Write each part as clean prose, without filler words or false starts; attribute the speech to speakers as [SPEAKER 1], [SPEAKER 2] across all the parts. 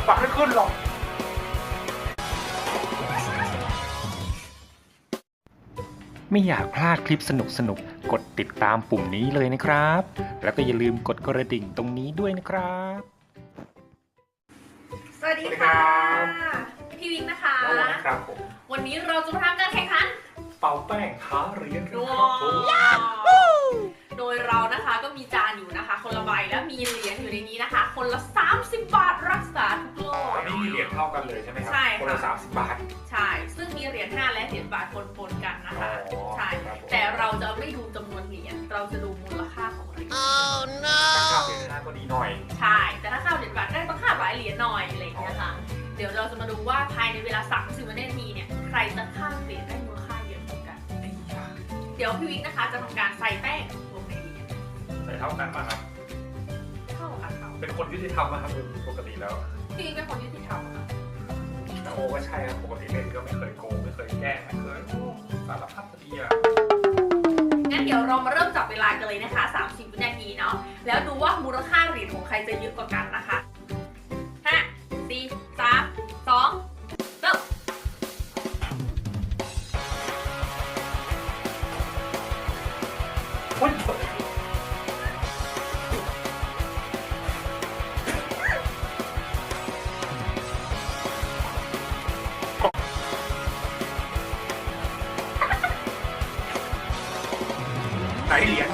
[SPEAKER 1] ปักไม่ขึ้นหรอกไม่อยากพลาดคลิปสนุกๆกดติดตามปุ่มนี้เลยนะครับแล้วก็อย่าลืมกดกระดิ่งตรงนี้ด้วยนะครับ
[SPEAKER 2] สวัสดีค่ะพี่วิกนะคะ
[SPEAKER 1] ครับผม
[SPEAKER 2] วันนี้เราจะมาทำการแข่งขัน
[SPEAKER 1] เป่าแป้งท้าเหรียญ
[SPEAKER 2] ครับผมโดยเรานะคะก็มีจานอยู่นะคะคนละใบแล้วมีเหรียญอยู่ในนี้นะคะคนละ30 บาทรักษาทุกโรค
[SPEAKER 1] อันนี้มีเหรียญเท่ากันเลยใช่ไหมครับ
[SPEAKER 2] ใช่
[SPEAKER 1] คนละ30 บาท
[SPEAKER 2] ใช่ซึ่งมีเหรียญ5และเหรียญบาทปนๆกันนะคะใช่แต่เราจะไม่ดูจำนวนเหรียญเราจะดูมูลค่าของเหรียญ
[SPEAKER 1] ถ้าข้าวเหรียญ5ก็ดีหน่อย
[SPEAKER 2] ใช่แต่ถ้าข้าวเหรียญบาทได้ต้องค่าหลายเหรียญหน่อยอะไรอย่างเงี้ยค่ะเดี๋ยวเราจะมาดูว่าภายในเวลา30 วินาทีเนี่ยใครจะข้ามเหรียญได้มูลค่าเยอะกว่ากันเดี๋ยวพี่วิกนะคะจะทำการใส่แป้งลงในเหรียญ
[SPEAKER 1] ใส่เท่ากันป่ะครับ
[SPEAKER 2] เท่าค่ะ
[SPEAKER 1] เป็นคนยุติธรรมนะครับปกติแล้ว
[SPEAKER 2] พี่วิกเป็นคนยุติธรรมค่ะ
[SPEAKER 1] โอ้ก็ใช่ครับปกติเล่นก็ไม่เคยโกงไม่เคยแกล้งไม่เคยสารพัดดีอ่ะ
[SPEAKER 2] งั้นเดี๋ยวเรามาเริ่มจับเวลากันเลยนะคะ30 วินาทีเนาะแล้วดูว่ามูลค่าเหรียญของใครจะเยอะกว่ากันนะคะ5 4 3 2เริ่ม
[SPEAKER 1] ไหนเหรียญ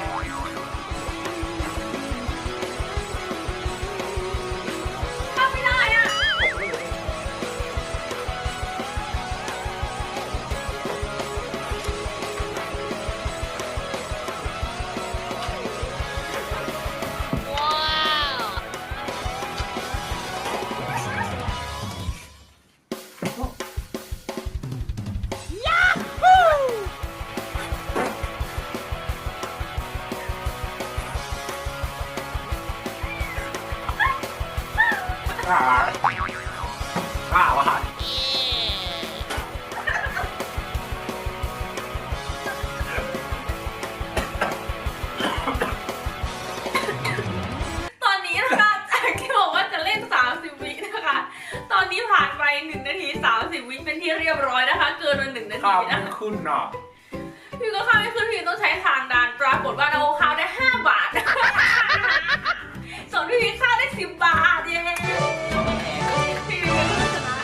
[SPEAKER 2] ทำไม่ได้อะ
[SPEAKER 1] ว่าวะ
[SPEAKER 2] ตอนนี้นะคะจากที่บอกว่าจะเล่น30 วินะคะตอนนี้ผ่านไป1 นาที 30 วิเป็นที่เรียบร้อยนะคะเกินมา1 นาทีนะ
[SPEAKER 1] ขึ้นเนาะ
[SPEAKER 2] พี่ก็ข้ามไม่ขึ้นพี่ต้องใช้ทางดันปรากฏว่าเราข้าวได้5 บาทส่วนพี่ข้าวได้10 บาทเย้พี่ก็ชนะ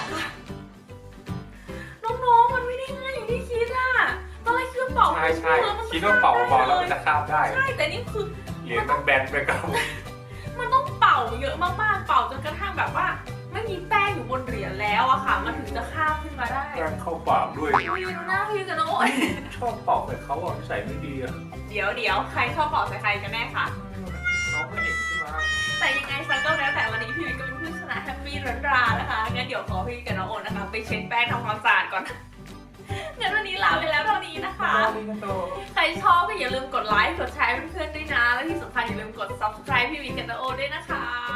[SPEAKER 2] น้องๆมันไม่ได้ง่ายอย่างที่คิดอะตอนแรกคิดว่าเป่า
[SPEAKER 1] ใช่คิดว่าเป่าบอลแล้วมันจะข้ามได้
[SPEAKER 2] ใช่แต่นี่คือ
[SPEAKER 1] เหรียญมันแบนไปกับ
[SPEAKER 2] มันต้องเป่าเยอะมากๆเป่าจนกระทั่งแบบว่าไม่มีแป้งอยู่บนเหรียญแล้วอะค่ะมันถึงจะข้ามขึ้นมาได้
[SPEAKER 1] แป้งเข้าปากด้วย
[SPEAKER 2] พี่ดูหน้าพี่กันนะโอ๊ย
[SPEAKER 1] ชอบเป่าแต่เขาอ่ะใส่ไม่ดีอะ
[SPEAKER 2] เดี๋ยวใครชอบเป่าใส่ใครกันแน่คะ
[SPEAKER 1] น้องไม่เห็นใช่ไหม
[SPEAKER 2] แต่ยังไงซะก็แล้วแต่วันนี้พี่วิกก็เป็นผู้ชนะแฮปปี้รันรานะคะงั้นเดี๋ยวขอพี่กับน้องโอนนะคะไปเช็ดแป้งทำความสะอาดก่อนงั้นวันนี้ลาไปแล้วเท่านี้นะคะใครชอบก็อย่าลืมกดไลค์กดแชร์เพื่อนๆด้วยนะและที่สำคัญอย่าลืมกด subscribe พี่วิกกับน้องโอนด้วยนะคะ